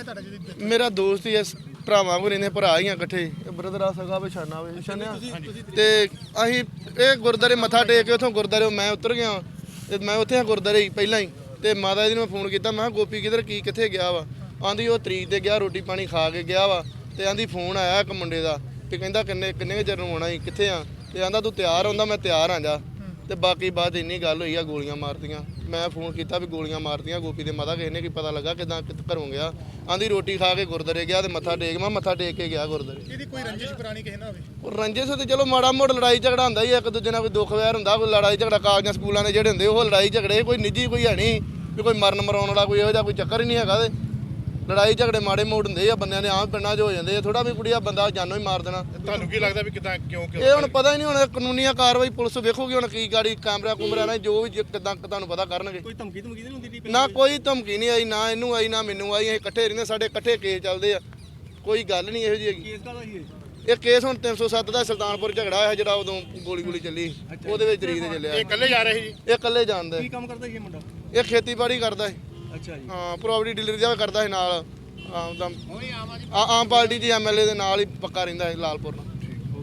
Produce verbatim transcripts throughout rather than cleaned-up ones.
ਤੁਹਾਡਾ ਜੀ? ਮੇਰਾ ਦੋਸਤ ਹੀ ਐ, ਭਰਾਵਾਂ ਕੋ ਰਹਿੰਦੇ, ਭਰਾ ਹੀ ਆ ਇਕੱਠੇ, ਬ੍ਰਦਰ ਆ ਸਗਾ ਪਛਾਣਾ ਵੇ ਛਾਨਿਆ। ਤੇ ਅਸੀਂ ਇਹ ਗੁਰਦਾਰੇ ਮੱਥਾ ਟੇਕ ਕੇ ਉੱਥੋਂ ਗੁਰਦਾਰੇ ਮੈਂ ਉਤਰ ਗਿਆ ਤੇ ਮੈਂ ਉੱਥੇ ਆ ਗੁਰਦਾਰੇ ਹੀ ਪਹਿਲਾਂ ਹੀ। ਤੇ ਮਾਤਾ ਜੀ ਨੂੰ ਮੈਂ ਫੋਨ ਕੀਤਾ, ਮੈਂ ਕਿਹਾ ਗੋਪੀ ਕਿਧਰ ਕੀ ਕਿੱਥੇ ਗਿਆ ਵਾ? ਆਂਦੀ ਉਹ ਤਰੀਕ ਤੇ ਗਿਆ, ਰੋਟੀ ਪਾਣੀ ਖਾ ਕੇ ਗਿਆ ਵਾ। ਤੇ ਆਂਦੀ ਫੋਨ ਆਇਆ ਇੱਕ ਮੁੰਡੇ ਦਾ ਤੇ ਕਹਿੰਦਾ ਕਿੰਨੇ ਕਿੰਨੇ ਚਿਰ ਨੂੰ ਆਉਣਾ ਸੀ, ਕਿੱਥੇ ਆ? ਤੇ ਆਂਦਾ ਤੂੰ ਤਿਆਰ ਹੁੰਦਾ, ਮੈਂ ਤਿਆਰ ਆ ਜਾ। ਤੇ ਬਾਕੀ ਬਾਅਦ ਇੰਨੀ ਗੱਲ ਹੋਈ ਆ, ਗੋਲੀਆਂ ਮਾਰਤੀਆਂ। ਮੈਂ ਫੋਨ ਕੀਤਾ ਵੀ ਗੋਲੀਆਂ ਮਾਰਤੀਆਂ ਗੋਪੀ ਦੇ ਮਾਤਾ, ਕਿਸੇ ਨੇ ਕੀ ਪਤਾ ਲੱਗਾ ਕਿਦਾਂ ਘਰੋਂ ਗਿਆ? ਆਂਦੀ ਰੋਟੀ ਖਾ ਕੇ ਗੁਰਦਾਰੇ ਗਿਆ ਤੇ ਮੱਥਾ ਟੇਕ, ਮੈਂ ਮੱਥਾ ਟੇਕ ਕੇ ਗਿਆ ਗੁਰਦਾਰੇ। ਇਹਦੀ ਕੋਈ ਰੰਜਿਸ਼ ਪੁਰਾਣੀ ਕਿਸੇ ਨਾਲ ਹੋਵੇ? ਉਹ ਰੰਜਿਸ਼ ਤੇ ਚਲੋ ਮਾੜਾ ਮੋੜ ਲੜਾਈ ਝਗੜਾ ਹੁੰਦਾ ਹੀ, ਇੱਕ ਦੂਜੇ ਨਾਲ ਕੋਈ ਦੁੱਖ ਵੈਰ ਹੁੰਦਾ, ਕੋਈ ਲੜਾਈ ਝਗੜਾ ਕਾਗਜ਼ਾਂ ਸਕੂਲਾਂ ਦੇ ਜਿਹੜੇ ਹੁੰਦੇ ਉਹ ਲੜਾਈ ਝਗੜੇ, ਕੋਈ ਨਿੱਜੀ ਕੋਈ ਹੈ ਨਹੀਂ ਵੀ ਕੋਈ ਮਰਨ ਮਰਾਉਣ ਵਾਲਾ ਕੋਈ ਇਹੋ ਜਿਹਾ ਕੋਈ ਚੱਕਰ ਹੀ ਨਹੀਂ ਹੈਗਾ। ਤੇ ਲੜਾਈ ਝਗੜੇ ਮਾੜੇ ਮੋੜ ਹੁੰਦੇ ਆ ਬੰਦਿਆਂ ਦੇ, ਆਮ ਪਿੰਡਾਂ 'ਚ ਹੋ ਜਾਂਦੇ ਆ। ਥੋੜਾ ਵੀ ਕੁੜੀਆ ਬੰਦਾ ਜਾਨੋਂ ਹੀ ਮਾਰ ਦੇਣਾ। ਤੁਹਾਨੂੰ ਕੀ ਲੱਗਦਾ ਵੀ ਕਿਦਾਂ ਕਿਉਂ ਇਹ ਹੁਣ ਪਤਾ ਹੀ ਨਹੀਂ, ਹੁਣ ਕਾਨੂੰਨੀ ਕਾਰਵਾਈ ਪੁਲਿਸ ਵੇਖੂਗੀ ਹੁਣ ਕੀ ਗਾੜੀ ਕੈਮਰਾ ਕੁਮਰਾ ਨਾਲ ਜੋ ਵੀ ਕਿਦਾਂ ਤੁਹਾਨੂੰ ਪਤਾ ਕਰਨਗੇ। ਕੋਈ ਧਮਕੀ ਧਮਕੀ ਨਹੀਂ ਹੁੰਦੀ? ਨਾ ਕੋਈ ਧਮਕੀ ਨਹੀਂ ਆਈ, ਨਾ ਇਹਨੂੰ ਆਈ ਨਾ ਮੈਨੂੰ ਆਈ। ਅਸੀਂ ਇਕੱਠੇ ਰਹਿੰਦੇ, ਸਾਡੇ ਇਕੱਠੇ ਕੇਸ ਚੱਲਦੇ ਆ, ਕੋਈ ਗੱਲ ਨਹੀਂ ਇਹੋ ਜਿਹੀ ਹੈਗੀ। ਕੇਸ ਕਾਹਦਾ ਸੀ ਇਹ ਕੇਸ ਹੁਣ ਤਿੰਨ ਸੌ ਸੱਤ ਦਾ ਸੁਲਤਾਨਪੁਰ ਝਗੜਾ ਹੋਇਆ ਜਿਹੜਾ ਉਦੋਂ ਗੋਲੀ ਗੋਲੀ ਚੱਲੀ, ਉਹਦੇ ਵਿੱਚ ਤਰੀਕ ਤੇ ਚੱਲਿਆ। ਇਹ ਇਕੱਲੇ ਜਾ ਰਹੇ ਸੀ? ਇਹ ਇਕੱਲੇ ਜਾਣਦਾ। ਕੀ ਕੰਮ ਕਰਦਾ ਸੀ ਇਹ ਮੁੰਡਾ? ਇਹ ਖੇਤੀਬਾੜੀ ਕਰਦਾ ਸੀ। ਅੱਛਾ ਜੀ। ਹਾਂ, ਪ੍ਰੋਪਰਟੀ ਡੀਲਰ ਦਾ ਕਰਦਾ ਸੀ ਨਾਲ। ਆਮ ਤਾਂ ਆਮ ਪਾਰਟੀ ਦੇ ਐਮਐਲਏ ਦੇ ਨਾਲ ਹੀ ਪੱਕਾ ਰਹਿੰਦਾ ਹੈ ਲਾਲਪੁਰ ਨਾਲ।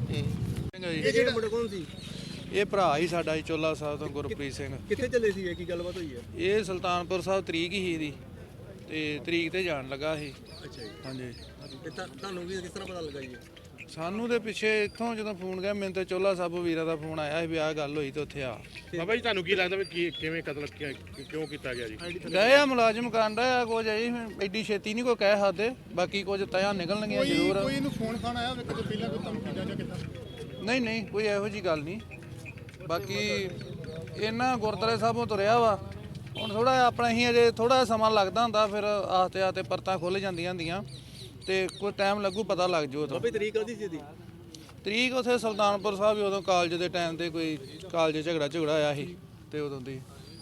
ਇਹ ਜਿਹੜਾ ਮੁੰਡਾ ਕੌਣ ਸੀ? ਇਹ ਭਰਾ ਹੀ ਸਾਡਾ ਜੀ, ਚੋਲਾ ਸਾਹਿਬ ਤੋਂ ਗੁਰਪ੍ਰੀਤ ਸਿੰਘ। ਕਿੱਥੇ ਚੱਲੇ ਸੀ? ਕੀ ਗੱਲਬਾਤ ਹੋਈ ਹੈ? ਇਹ ਸੁਲਤਾਨਪੁਰ ਸਾਹਿਬ ਤਰੀਕ ਹੀ ਇਹਦੀ ਤੇ ਤਰੀਕ ਤੇ ਜਾਣ ਲੱਗਾ ਸੀ। ਅੱਛਾ ਜੀ। ਹਾਂਜੀ। ਤੇ ਤੁਹਾਨੂੰ ਵੀ ਕਿਸ ਤਰ੍ਹਾਂ ਪਤਾ ਲੱਗਾ ਜੀ? ਸਾਨੂੰ ਦੇ ਪਿੱਛੇ ਇੱਥੋਂ ਜਦੋਂ ਫੋਨ ਗਿਆ ਮੈਨੂੰ ਤੇ ਚੋਲਾ ਸਾਹਿਬ ਵੀਰਾ ਦਾ ਫੋਨ ਆਇਆ ਸੀ ਵੀ ਆਹ ਗੱਲ ਹੋਈ ਤੇ ਉੱਥੇ ਆ ਬਾਬਾ ਜੀ ਤੁਹਾਨੂੰ ਕੀ ਲੱਗਦਾ ਵੀ ਕੀ ਕਿਵੇਂ ਕਤਲ ਕਿਉਂ ਕੀਤਾ ਗਿਆ ਜੀ? ਗਏ ਆ ਮੁਲਾਜ਼ਮ ਕਾਂਡਾ ਆ ਕੁਝ ਜੀ, ਐਡੀ ਛੇਤੀ ਨਹੀਂ ਕੋਈ ਕਹਿ ਸਕਦੇ, ਬਾਕੀ ਕੁਝ ਤਿਆ ਨਿਕਲਣਗੀਆਂ ਜ਼ਰੂਰ। ਕੋਈ ਇਹਨੂੰ ਫੋਨ ਖਾਣ ਆਇਆ ਕਿਤੇ ਪਹਿਲਾਂ ਕੋਈ ਧਮਕੀ ਜਾਂ ਕਿਦਾਂ? ਨਹੀਂ ਨਹੀਂ ਕੋਈ ਇਹੋ ਜੀ ਗੱਲ ਨਹੀਂ। ਬਾਕੀ ਇਹਨਾਂ ਗੁਰਦੁਆਰੇ ਸਾਹਿਬੋਂ ਤੁਰਿਆ ਵਾ, ਹੁਣ ਥੋੜਾ ਆਪਣਾ ਹੀ ਅਜੇ ਥੋੜਾ ਸਮਾਂ ਲੱਗਦਾ ਹੁੰਦਾ, ਫਿਰ ਆਸਤੇ ਆਸਤੇ ਪਰਤਾਂ ਖੁੱਲ ਜਾਂਦੀਆਂ ਹੁੰਦੀਆਂ ਤੇ ਕੋਈ ਟਾਈਮ ਲੱਗੂ, ਪਤਾ ਲੱਗ ਜੂ। ਉਦੋਂ ਤਰੀਕ ਆਦੀ ਸੀ ਇਹਦੀ? ਤਰੀਕ ਉੱਥੇ ਸੁਲਤਾਨਪੁਰ ਸਾਹਿਬ ਹੀ ਉਦੋਂ ਕਾਲਜ ਦੇ ਟਾਈਮ ਤੇ ਕੋਈ ਕਾਲਜ ਝਗੜਾ ਝਗੜਾ ਆਇਆ ਸੀ ਤੇ ਉਦੋਂ ਦੀ।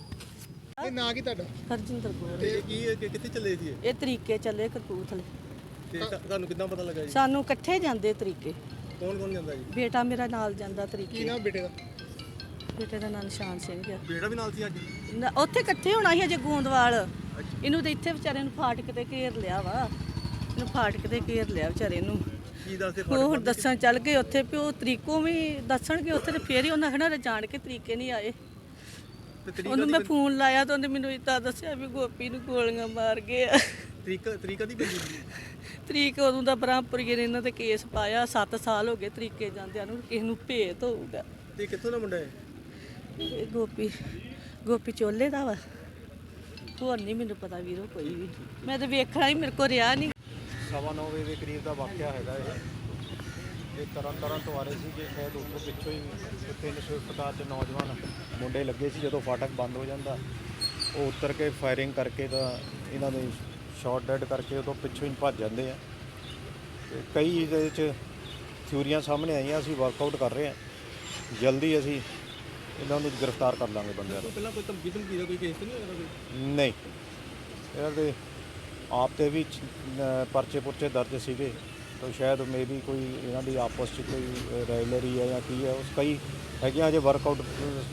ਇਹ ਨਾਂ ਕੀ ਤੁਹਾਡਾ? ਹਰਜਿੰਦਰ ਕੌਰ। ਤੇ ਕੀ ਕਿੱਥੇ ਚੱਲੇ ਸੀ? ਇਹ ਤਰੀਕੇ ਚੱਲੇ ਕਪੂਰਥਲੇ। ਤੇ ਤੁਹਾਨੂੰ ਕਿੱਦਾਂ ਪਤਾ ਲੱਗਾ ਜੀ? ਸਾਨੂੰ ਇਕੱਠੇ ਜਾਂਦੇ ਤਰੀਕੇ। ਕੌਣ ਕੌਣ ਜਾਂਦਾ ਜੀ? ਬੇਟਾ ਮੇਰਾ ਨਾਲ ਜਾਂਦਾ ਤਰੀਕੇ। ਕੀ ਨਾਮ ਬੇਟੇ ਦਾ? ਬੇਟੇ ਦਾ ਨਾਂ ਨਿਸ਼ਾਨ ਸਿੰਘ ਆ। ਬੇਟਾ ਵੀ ਨਾਲ ਸੀ ਅੱਜ? ਨਾ, ਉੱਥੇ ਇਕੱਠੇ ਹੋਣਾ ਸੀ ਅਜੇ ਗੋਂਦਵਾਲ। ਇਹਨੂੰ ਤੇ ਇੱਥੇ ਵਿਚਾਰੇ ਨੂੰ ਫਾਟਕ ਤੇ ਘੇਰ ਲਿਆ ਵਾ, ਇਹਨੂੰ ਫਾਟਕ ਤੇ ਘੇਰ ਲਿਆ ਵਿਚਾਰੇ ਨੂੰ। ਕੀ ਦੱਸਦੇ? ਉਹ ਹੁਣ ਦੱਸਣ ਚੱਲ ਗਏ ਉੱਥੇ ਵੀ ਉਹ ਤਰੀਕੋਂ ਵੀ ਦੱਸਣਗੇ ਉੱਥੇ, ਤੇ ਫੇਰ ਹੀ ਉਹਨਾਂ ਖਣਾ ਜਾਣ ਕੇ ਤਰੀਕੇ ਨਹੀਂ ਆਏ। ਉਹਨੂੰ ਮੈਂ ਫੋਨ ਲਾਇਆ ਤਾਂ ਉਹਨੇ ਮੈਨੂੰ ਇੱਦਾਂ ਦੱਸਿਆ ਵੀ ਗੋਪੀ ਨੂੰ ਗੋਲੀਆਂ ਮਾਰ ਗਏ ਆ। ਤਰੀਕ ਤਰੀਕਾ ਦੀ ਪੈਂਦੀ? ਤਰੀਕ ਉਦੋਂ ਦਾ ਬ੍ਰਹਮਪੁਰੀਏ ਨੇ ਇਹਨਾਂ ਤੇ ਕੇਸ ਪਾਇਆ, ਸੱਤ ਸਾਲ ਹੋ ਗਏ ਤਰੀਕੇ ਜਾਂਦਿਆਂ ਨੂੰ, ਕਿਸੇ ਨੂੰ ਭੇਤ ਹੋਊਗਾ। ਤੇ ਕਿੱਥੋਂ ਦਾ ਮੁੰਡਾ ਹੈ ਇਹ ਗੋਪੀ ਗੋਪੀ ਚੋਲੇ ਦਾ ਵਾ, ਹੋਰ ਨਹੀਂ ਮੈਨੂੰ ਪਤਾ ਵੀਰੋ ਕੋਈ ਵੀ। ਮੈਂ ਤਾਂ ਵੇਖਣਾ ਹੀ ਮੇਰੇ ਕੋਲ ਰਿਹਾ ਨਹੀਂ। ਸਵਾ ਨੌ ਵਜੇ ਦੇ ਕਰੀਬ ਦਾ ਵਾਕਿਆ ਹੈਗਾ ਇਹ। ਇਹ ਤਰਨ ਤਰਨ ਤੋਂ ਆ ਰਹੇ ਸੀ, ਜੇ ਸ਼ਾਇਦ ਉੱਥੋਂ ਪਿੱਛੋਂ ਹੀ ਤਿੰਨ ਸਵਿਫਟ ਕਾਰ 'ਚ ਨੌਜਵਾਨ ਮੁੰਡੇ ਲੱਗੇ ਸੀ। ਜਦੋਂ ਫਾਟਕ ਬੰਦ ਹੋ ਜਾਂਦਾ ਉਹ ਉਤਰ ਕੇ ਫਾਇਰਿੰਗ ਕਰਕੇ ਤਾਂ ਇਹਨਾਂ ਦੇ ਸ਼ਾਟ ਡੈਡ ਕਰਕੇ ਉਦੋਂ ਪਿੱਛੋਂ ਹੀ ਭੱਜ ਜਾਂਦੇ ਆ। ਤੇ ਕਈ ਇਹਦੇ ਵਿੱਚ ਥਿਊਰੀਆਂ ਸਾਹਮਣੇ ਆਈਆਂ, ਅਸੀਂ ਵਰਕਆਊਟ ਕਰ ਰਹੇ ਹਾਂ, ਜਲਦੀ ਅਸੀਂ ਇਹਨਾਂ ਨੂੰ ਗ੍ਰਿਫਤਾਰ ਕਰ ਲਾਂਗੇ ਬੰਦਿਆਂ ਨੂੰ। ਪਹਿਲਾਂ ਕੋਈ ਧਮਕੀ ਧਮਕੀ ਦਾ ਕੋਈ ਕੇਸ ਨਹੀਂ ਹੋਇਆ ਕੋਈ? ਨਹੀਂ, ਇਹਨਾਂ ਦੇ ਆਪ ਤੇ ਵੀ ਪਰਚੇ ਪੁਰਚੇ ਦਰਜ ਸੀਗੇ, ਤਾਂ ਸ਼ਾਇਦ ਮੇ ਵੀ ਕੋਈ ਇਹਨਾਂ ਦੀ ਆਪਸ 'ਚ ਕੋਈ ਰਾਈਵਲਰੀ ਹੈ ਜਾਂ ਕੀ ਹੈ, ਉਸ ਕਈ ਹੈਗੀਆਂ ਅਜੇ ਵਰਕਆਊਟ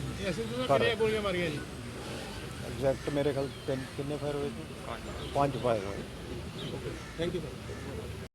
ਕਰ। ਗੋਲੀਆਂ ਮਾਰੀਆਂ ਜੀ? ਐਗਜ਼ੈਕਟ ਮੇਰੇ ਖਿਆਲ ਤਿੰਨ ਕਿੰਨੇ ਫਾਇਰ ਹੋਏ ਸੀ? ਪੰਜ ਫਾਇਰ ਹੋਏ। Thank you sir.